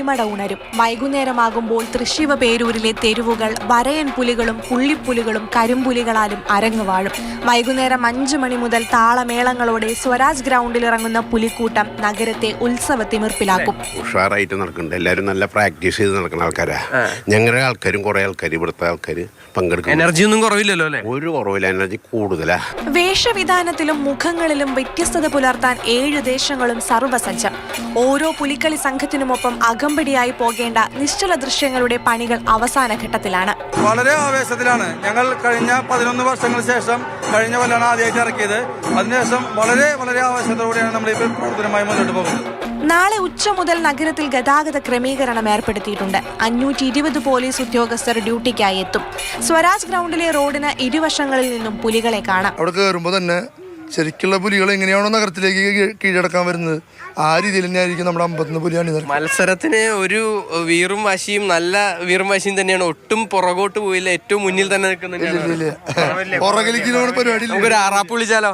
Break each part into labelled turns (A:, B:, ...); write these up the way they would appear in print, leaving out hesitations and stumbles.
A: പുലിമട ഉണരും. വൈകുന്നേരമാകുമ്പോൾ തൃശ്ശിവ പേരൂരിലെ തെരുവുകൾ വരയൻ പുലികളും പുള്ളിപ്പുലികളും കരിമ്പുലികളാലും അരങ്ങുവാഴും. വൈകുന്നേരം 5 മണി മുതൽ താളമേളങ്ങളോടെ സ്വരാജ് ഗ്രൗണ്ടിൽ ഇറങ്ങുന്ന പുലിക്കൂട്ടം നഗരത്തെ ഉത്സവത്തിമിർപ്പിലാക്കും.
B: ഉഷാറായിട്ട് നടക്കുന്നുണ്ട്. എല്ലാവരും നല്ല പ്രാക്ടീസ് ചെയ്ത് നടക്കുന്ന ആൾക്കാരാ. ഞങ്ങളുടെ ആൾക്കാരും കുറെ ആൾക്കാർ ഇവിടുത്തെ ആൾക്കാർ പങ്കെടുക്കും.
C: എനർജി ഒന്നും കുറവില്ലല്ലോ അല്ലേ?
B: ഒരു കുറവില്ല, എനർജി കൂടുതലാ.
A: വേഷവിധാനത്തിലും മുഖങ്ങളിലും വ്യത്യസ്തത പുലർത്താൻ 7 ദേശങ്ങളും സർവ്വസജ്ജം. ഓരോ പുലിക്കളി സംഘത്തിനുമൊപ്പം അകമ്പടിയായി പോകേണ്ട നിശ്ചല ദൃശ്യങ്ങളുടെ പണികൾ അവസാന ഘട്ടത്തിലാണ്.
D: വളരെ ആവേശത്തിലാണ് ഞങ്ങൾ. കഴിഞ്ഞ 11 വർഷങ്ങൾക്ക് ശേഷം കഴിഞ്ഞ കൊല്ലാണ് ആദ്യമായിട്ട് ഇറക്കിയത്. അതിനുശേഷം വളരെ വളരെ ആവേശത്തോടെയാണ് നമ്മൾ ഇപ്പോൾ പ്രവർത്തനമായി മുന്നോട്ട് പോകുന്നത്.
A: നാളെ ഉച്ച മുതൽ നഗരത്തിൽ ഗതാഗത ക്രമീകരണം ഏർപ്പെടുത്തിയിട്ടുണ്ട്. 520 പോലീസ് ഉദ്യോഗസ്ഥർ ഡ്യൂട്ടിക്കായി എത്തും. സ്വരാജ് ഗ്രൗണ്ടിലെ റോഡിന് ഇരുവശങ്ങളിൽ നിന്നും പുലികളെ കാണാം.
E: അവിടെ കയറുമ്പോൾ തന്നെ ശരിക്കുള്ള പുലികൾ എങ്ങനെയാണോ നഗരത്തിലേക്ക് കീഴടക്കാൻ വരുന്നത് ആ രീതിയിൽ തന്നെയായിരിക്കും നമ്മുടെ 50 പുലിയാണ്.
C: മത്സരത്തിന് ഒരു വീറും വാശിയും, നല്ല വീറും വാശിയും തന്നെയാണ്. ഒട്ടും പുറകോട്ട് പോയില്ല, ഏറ്റവും മുന്നിൽ തന്നെ നിൽക്കുന്നുണ്ട്.
E: പുറകിലേക്ക് പരിപാടി.
C: നമുക്കൊരു ആറാപ്പ് വിളിച്ചാലോ?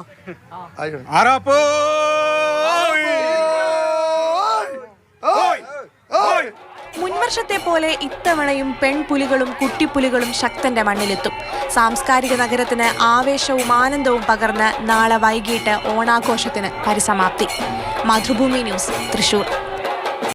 A: മുൻവർഷത്തെ പോലെ ഇത്തവണയും പെൺപുലികളും കുട്ടിപ്പുലികളും ശക്തന്റെ മണ്ണിലെത്തും. സാംസ്കാരിക നഗരത്തിന് ആവേശവും ആനന്ദവും പകർന്ന് നാളെ വൈകിട്ട് ഓണാഘോഷത്തിന് പരിസമാപ്തി. മാതൃഭൂമി ന്യൂസ്, തൃശൂർ.